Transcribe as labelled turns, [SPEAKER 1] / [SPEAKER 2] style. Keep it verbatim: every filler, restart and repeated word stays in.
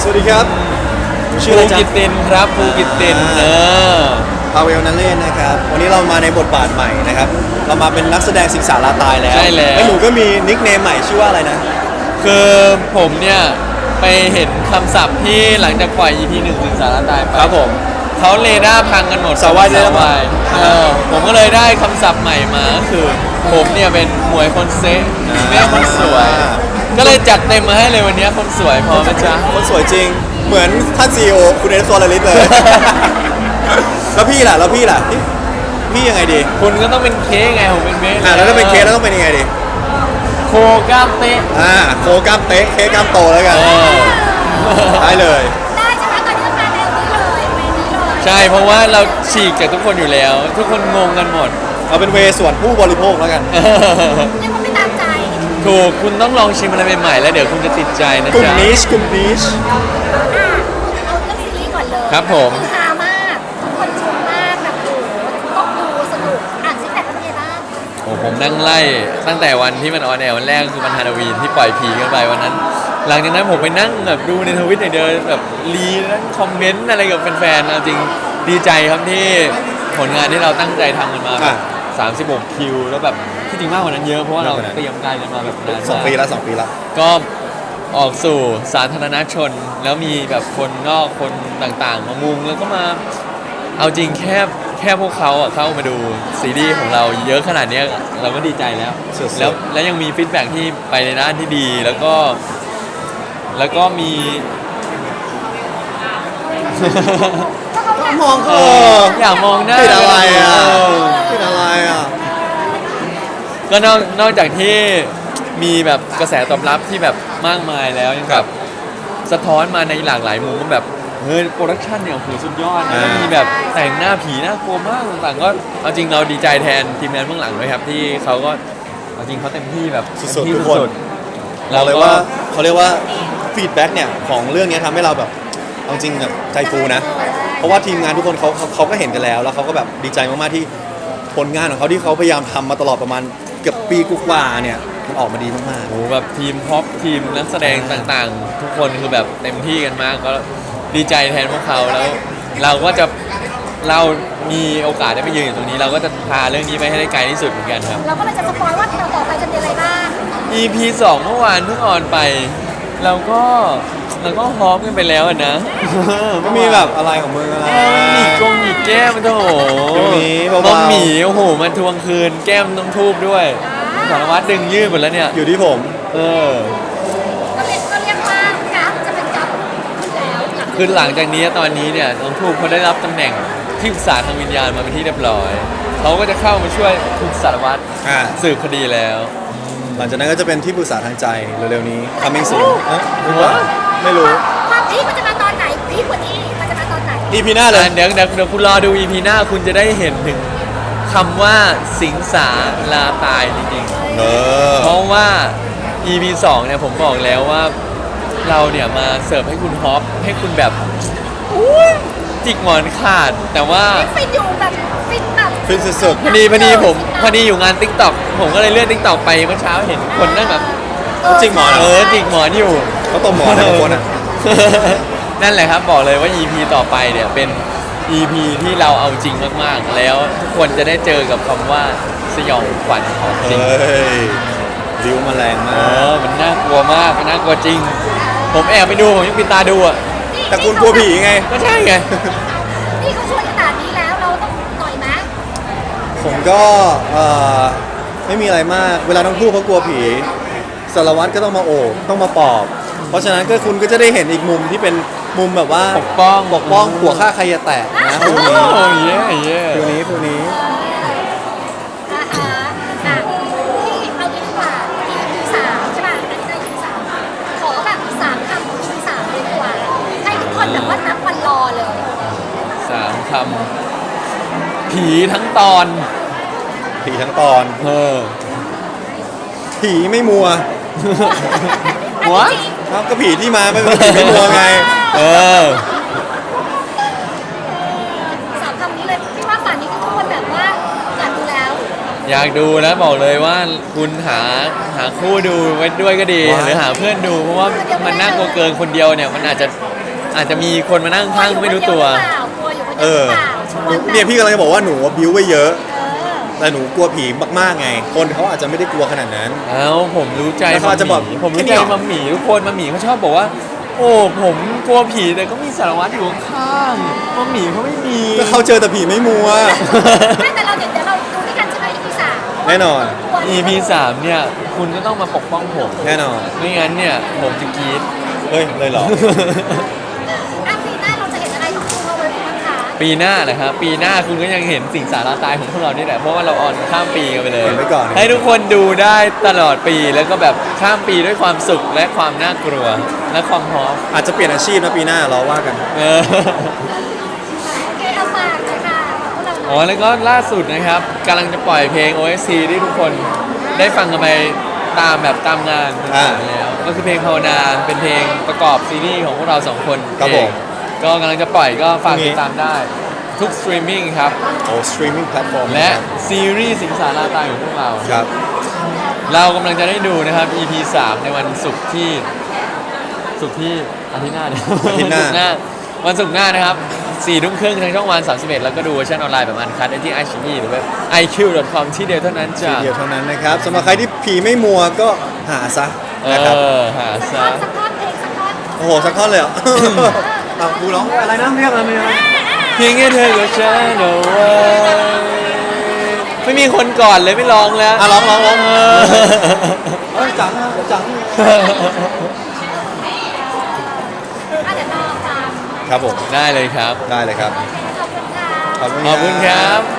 [SPEAKER 1] วัสดีครับชื่ออะไร
[SPEAKER 2] ภู
[SPEAKER 1] จ๊ะ
[SPEAKER 2] กิตตินครับภูกิตตินเออ
[SPEAKER 1] พาเวลนันเล่นนะครับวันนี้เรามาในบทบาทใหม่นะครับเรามาเป็นนักแสดงสิงสาราตายแล้ว
[SPEAKER 2] ใช่แล้ว
[SPEAKER 1] แล้วหนูก็มีนิคเนมใหม่ชื่อว่าอะไรนะ
[SPEAKER 2] คือผมเนี่ยไปเห็นคำศัพท์ที่หลังจากปล่อย อี พี หนึ่งถึงสารตายไป
[SPEAKER 1] ครับผม
[SPEAKER 2] เขาเรดาร์พังกันหมด
[SPEAKER 1] สาวายเรดาร์พัง
[SPEAKER 2] สวเออผมก็เลยได้คำศัพท์ใหม่มาก็คือ ผมเนี่ยเป็นหมวยคนเซ็กแม่คนสวย ก็เลยจัดเต็มมาให้เลยวันนี้คนสวยพอไหมจ๊ะ
[SPEAKER 1] คนสวยจริงเหมือนท่านซีอีโอคุณเอสโซลาริสเลย แล้วพี่ล่ะแล้วพี่ล่ะพี่พี่ยังไงดี
[SPEAKER 2] คุณก็ต้องเป็นเค้กไงผมเป็นเบส
[SPEAKER 1] อ่าแล้วถ้าเป็นเคสแล้วต้องเป็นยังไงดี
[SPEAKER 2] โคกล้ามเตะ
[SPEAKER 1] อ่าโคกล้ามเต๊ะเค้กกล้ามโตแล้วกัน
[SPEAKER 2] เออ
[SPEAKER 1] ได้เลย
[SPEAKER 3] ได้ใช่ไหมตอนนี้ต้องมาแนวนี้เลยเวนี้เลย
[SPEAKER 2] ใช่เพราะว่าเราฉีกจากทุกคนอยู่แล้ว ทุกคนงงกันหมด
[SPEAKER 1] เอาเป็นเวส่วนผู้บริโภคแล้วกัน
[SPEAKER 3] เรียกว่าไม่ตามใจ
[SPEAKER 2] ถูกคุณต้องลองชิมอะไรใหม่ๆแล้วเดี๋ยวคุณจะติดใจนะ
[SPEAKER 1] กลุ่ม
[SPEAKER 2] จ๊ะ
[SPEAKER 1] นิชกลุ่มนิช
[SPEAKER 3] อ่ะเอาเรื่องซีรีส์ก่อนเลย
[SPEAKER 2] ครับผม
[SPEAKER 3] คือฮามากทุกคนชมมากแบบโอ้โหต้องดูสนุกอ่านซิกแพคเป็นไงบ้าง
[SPEAKER 2] โอ้ผมนั่งไล่ตั้งแต่วันที่มันออนแอร์วันแรกคือวันฮาโลวีนที่ปล่อยผีกันไปวันนั้น หลังจากนั้นผมไปนั่งแบบดูในทวิตอย่างเดียวแบบรีนั่งคอมเมนต์อะไรกับแฟนๆเอาจริงดีใจครับที่ผลงานที่เราตั้งใจทำกันมาแบบสามสิบหกคิวแล้วแบบที่จริงมากกว่านั้นเยอะเพราะว่าเราเตรียมการกันมาแบบนาน
[SPEAKER 1] สอง
[SPEAKER 2] มาก
[SPEAKER 1] ปีแล้วสองปีแล้ว
[SPEAKER 2] ก็ออกสู่สาธารณชน แล้วมีแบบคนนอกคนต่างๆ มามุงแล้วก็มาเอาจริงแค่แค่พวกเขาอะเข้ามาดูซีรีส์ของเราเยอะขนาดเนี้ยเราก็ดีใจแล้ว
[SPEAKER 1] สุดๆ
[SPEAKER 2] แล้วแล้วยังมีฟีดแบ็กที่ไปในด้านที่ดีแล้วก็ แล้วก็มี
[SPEAKER 1] มอง
[SPEAKER 2] เอ
[SPEAKER 1] เขา
[SPEAKER 2] ออยากมองหน้า
[SPEAKER 1] ติดอะไรอ่ะ
[SPEAKER 2] เออ
[SPEAKER 1] ติดอะไรอ่ะ
[SPEAKER 2] ก็นอกนอกจากที่มีแบบกระแสตอบรับที่แบบมากมายแล้วยังแบบสะท้อนมาในหลากหลายมุมว่าแบบเฮ้ยโปรดักชันเนี่ยโอ้โหสุดยอดนะ
[SPEAKER 1] อ่ามี
[SPEAKER 2] มีแบบแต่งหน้าผีน่ากลัวมากต่างๆก็เอาจริงเราดีใจแทนทีมงานเบื้องหลังด้วยครับที่เขาก็เอาจริงเขาเต็มที่แบบ
[SPEAKER 1] สุดๆ
[SPEAKER 2] เต็มที่
[SPEAKER 1] ทุกคน
[SPEAKER 2] สุดๆ
[SPEAKER 1] เราเลยว่าเขาเรียกว่าฟีดแบ็กเนี่ยของเรื่องนี้ทำให้เราแบบเอาจริงแบบใจฟูนะ เพราะว่าทีมงานทุกคนเขาเขาเขาก็เห็นกันแล้ว แล้วเขาก็แบบดีใจมากๆที่ผลงานของเขาที่เขาพยายามทำมาตลอดประมาณเกือบปีกว่าๆเนี่ยมันออกมาดีมาก
[SPEAKER 2] โอ้โหแบบทีมพ็อปทีมนักแสดงต่างๆ ทุกคนคือแบบเต็มที่กันมากก็ดีใจแทนพวกเขาแล้ว เราก็จะเรามีโอกาสได้ไปยืนอยู่ตรงนี้ เราก็จะพาเรื่องนี้ไปให้ได้ไกลที่สุดเหมือนกันครับ
[SPEAKER 3] เราก็เลยจะสปอยว่าเราต่อไปจะเป็นอะไรบ้าง
[SPEAKER 2] อี พี สองเมื่อวานเพิ่งออนไป เราก็เราก็ฮอปกันไปแล้วอะนะ
[SPEAKER 1] ๆก็มีแบบอะไรของมึงอะไร
[SPEAKER 2] หนีกงหนีแก้มมันโถ
[SPEAKER 1] เดี๋ยวนี้เบาๆ
[SPEAKER 2] มัมหมีโอ้โหมันทวงคืนแก้มต้องทูบด้วยสารวัตรดึงยืดหมดแล้วเนี่ย
[SPEAKER 1] อยู่ที่ผม
[SPEAKER 2] เออ
[SPEAKER 3] ก็เรียกก็เรียกว่ากราฟจะเป็นกราฟขึ้นแล้วหลัง
[SPEAKER 2] คือหลังจากนี้ตอนนี้เนี่ยน้องทูบเขาได้รับตำแหน่งที่ปรึกษาทางวิญญาณมาเป็นที่เรียบร้อยเขาก็จะเข้ามาช่วยคุณสารวัตร
[SPEAKER 1] อ่า
[SPEAKER 2] สืบคดีแล้ว
[SPEAKER 1] หลังจากนั้นก็จะเป็นที่ปรึกษาทางใจเร็วๆนี้ coming soon เอ๊ะหรือว่าไม่รู้
[SPEAKER 3] ความพีคมันจะมาตอนไหนพีคกว่านี้มันจะมาตอนไหน
[SPEAKER 1] อีพีหน้าเลย
[SPEAKER 2] อ่ะเดี๋ยวเดี๋ยวเดี๋ยวคุณรอดู อี พี หน้าคุณจะได้เห็นถึงคำว่าสิงสาลาตายจริง
[SPEAKER 1] เออ
[SPEAKER 2] ๆ เพราะว่า อี พี สองเนี่ยผมบอกแล้วว่าเราเนี่ยมาเสิร์ฟให้คุณฮอปให้คุณแบบอุ๊ยจิกหมอนขาด แต่ว่า
[SPEAKER 3] ฟินอยู่แบบฟินแบบ
[SPEAKER 1] ฟินสุด
[SPEAKER 2] พอดีพอดีผมพอดีอยู่งาน ติ๊กต็อก ผมก็เลยเลื่อน ติ๊กต็อก ไปเมื่อเช้าเห็นคนนั่งแบบ
[SPEAKER 1] จริงหมอเหร
[SPEAKER 2] เออจิกหมอนอยู่
[SPEAKER 1] ๆเขาตบหมอนนะบางคนอ่ะ
[SPEAKER 2] นั่นแหละครับบอกเลยว่า อี พี ต่อไปเนี่ยเป็น อี พี ที่เราเอาจริงมากๆ แล้วทุกคนจะได้เจอกับคำว่าสยองขวัญของจริง
[SPEAKER 1] เฮ้ยริ้วมาแรง
[SPEAKER 2] เอ
[SPEAKER 1] มาก
[SPEAKER 2] อมันน่ากลัวมากมันน่ากลัวจริง ผมแอบไปดูผมยังปิดตาดูอ่ะ
[SPEAKER 1] แต่คุณกลัวผีไง
[SPEAKER 2] ก็ใช่ไง
[SPEAKER 3] นี่เขาช่วยขนาดนี้แล้วเราต้องหน่อยไหม
[SPEAKER 1] ผมก็เอ่อไม่มีอะไรมาก เวลาทั้งคู่เขากลัวผีสารวัตรก็ต้องมาโอบต้องมาปลอบ เพราะฉะนั้นก็คุณก็จะได้เห็นอีกมุมที่เป็นมุมแบบว่า
[SPEAKER 2] ปกป้อง
[SPEAKER 1] ปกป้องหัวฆ่าใครจะแตกนะ
[SPEAKER 2] โอ้
[SPEAKER 1] ฟิวนี้
[SPEAKER 2] เย่เย่
[SPEAKER 1] ฟิวนี้ฟิวนี้
[SPEAKER 3] อ่าฮะอ่ะที่เอางี้ดีกว่า อี พี สามใช่ป่ะอันนี้ก็ อี พี สามขอแบบสามคำของ อี พี สามเลยดีกว่าให้ทุกคนแบบว่านับวันรอเลย
[SPEAKER 2] สามคำผีทั้งตอน
[SPEAKER 1] ผีทั้งตอน
[SPEAKER 2] เออ
[SPEAKER 1] ผีไม่มัว
[SPEAKER 2] หัว
[SPEAKER 1] ครับก็ผีที่มาไม่เป็นผีไม่มัวไง
[SPEAKER 2] เออ
[SPEAKER 3] สามคำนี้เลยพี่ว่าป่านนี้ทุกคนแบบว่าอยากดูแล้ว
[SPEAKER 2] อยากดูแล้วบอกเลยว่าคุณหาหาคู่ดูไว้ด้วยก็ดี
[SPEAKER 1] ว้าว
[SPEAKER 2] หรือหาเพื่อนดูเพราะว่ามันน่ากลัวเกินคนเดียวเนี่ยมันอาจจะอาจจะมีคนมานั่งข้างๆไม่รู้ตัว
[SPEAKER 3] กลัวอยู่คน
[SPEAKER 1] เอ
[SPEAKER 3] เดียวห
[SPEAKER 1] อ
[SPEAKER 3] รือเปล่าชวนแบบ
[SPEAKER 1] เนี่ยพี่กำลังจะบอกว่าหนูบิวไว้เยอะ
[SPEAKER 3] เออ
[SPEAKER 1] แต่หนูกลัวผีมากๆไง คนเขาอาจจะไม่ได้กลัวขนาดนั้น
[SPEAKER 2] เอ้าผมรู้ใจ
[SPEAKER 1] แล้วเขาอาจจะบอก
[SPEAKER 2] มัมหมี่ผมรู้
[SPEAKER 1] แค่นี้
[SPEAKER 2] ใจ
[SPEAKER 1] เหรอ
[SPEAKER 2] มัมหมี่ทุกคนมัมหมี่เขาชอบบอกว่า โอ้ผมกลัวผีแต่ก็มีสารวัตรอยู่ข้างๆมัมหมี่เขาไม่มี
[SPEAKER 1] ก็เขาเจอแต่ผีไม่มัว
[SPEAKER 3] ไม่แต่เราเดี๋ยวเดี๋ยวเราดูด้วยกันใช่ไหม อี พี สาม
[SPEAKER 1] แน่นอน
[SPEAKER 2] อี พี สามเนี่ยคุณก็ต้องมาปกป้องผม
[SPEAKER 1] แน่นอน
[SPEAKER 2] ไม่งั้นเนี่ยผมจะกรีด
[SPEAKER 1] เฮ้ยเลยเหรอ
[SPEAKER 3] อ่ะปีหน้าเราจะเห็นอะไรของคุณเราเลยบ้างคะ
[SPEAKER 2] ปีหน้านะครับปีหน้าคุณก็ยังเห็นสิ่งสาระตายของพวกเรานี่แหละเพราะว่าเราออนข้ามปีกันไปเลย
[SPEAKER 1] เห็นไว้ก่อน
[SPEAKER 2] ให้ทุกคนดูได้ตลอดปีแล้วก็แบบข้ามปีด้วยความสุขและความน่ากลัวและความฮอป
[SPEAKER 1] อาจจะเปลี่ยนอาชีพนะปีหน้าเราว่ากัน
[SPEAKER 2] เออ
[SPEAKER 3] โอเคเอาฝากเลยค่ะพวกเราหน่
[SPEAKER 2] อ๋
[SPEAKER 3] อ
[SPEAKER 2] อย แล้วก็ล่าสุดนะครับกำลังจะปล่อยเพลง โอ เอส ซี ที่ทุกคนได้ฟังกันไปตามแบบตามงาน
[SPEAKER 1] อ่า
[SPEAKER 2] แล้วก็คือเพลงภาวนาเป็นเพลงประกอบซีรีส์ของพวกเราสองคน
[SPEAKER 1] ครับผม
[SPEAKER 2] เองก็กำลังจะปล่อยก็ฝาก
[SPEAKER 1] พรุ่งนี้
[SPEAKER 2] ติดตามได้ทุกสตรีมมิ่งครับ
[SPEAKER 1] โอ้สตรีมมิ่งแพลตฟอร์ม
[SPEAKER 2] และซีรีส์สิงสาราตายของพวกเรา
[SPEAKER 1] ครับ
[SPEAKER 2] เรากำลังจะได้ดูนะครับ อี พี สามในวันศุกร์ที่ศุกร์ที่อาทิตย์หน้าเนี่ย
[SPEAKER 1] อาทิตย์หน้า
[SPEAKER 2] วันศุกร์หน้าวันศุกร์หน้านะครับสี่ทุ่มครึ่งทางช่องวันสามสิบเอ็ดแล้วก็ดูเวอร์ชันออนไลน์แบบอันคัดได้ที่ไอชีอีหรือเว็บ ไอ คิว ดอท คอม ที่เดียวเท่านั้นจ้ะ
[SPEAKER 1] เดียวเท่านั้นนะครับสำหรับใครที่ผีไม่มัวก็หาซะ
[SPEAKER 2] เอ
[SPEAKER 1] นะครับ
[SPEAKER 2] อหา
[SPEAKER 3] สัก
[SPEAKER 2] ซะ
[SPEAKER 3] ท่อนสักท่อนเพลงสักท่อน
[SPEAKER 1] โอ้โหสักท่อนเลยเหรอ เอากูร้องอะไรนะเรียกอะไรนะ
[SPEAKER 2] เพียงแค่เธอกับฉันเอาไว้ไม่มีคนก่อนเลยไม่ร้องแล้ว
[SPEAKER 1] อ่ะร้องร้องร้อง
[SPEAKER 2] เออ
[SPEAKER 1] เอ้ยจังนะจัง
[SPEAKER 3] อ่ะเดี๋ยวรอฟัง
[SPEAKER 1] ครับผม
[SPEAKER 2] ได้เลยครับ
[SPEAKER 1] ได้เลยครับ
[SPEAKER 3] ขอบคุณค่ะ
[SPEAKER 1] ขอบคุณ
[SPEAKER 2] ขอบคุณครับ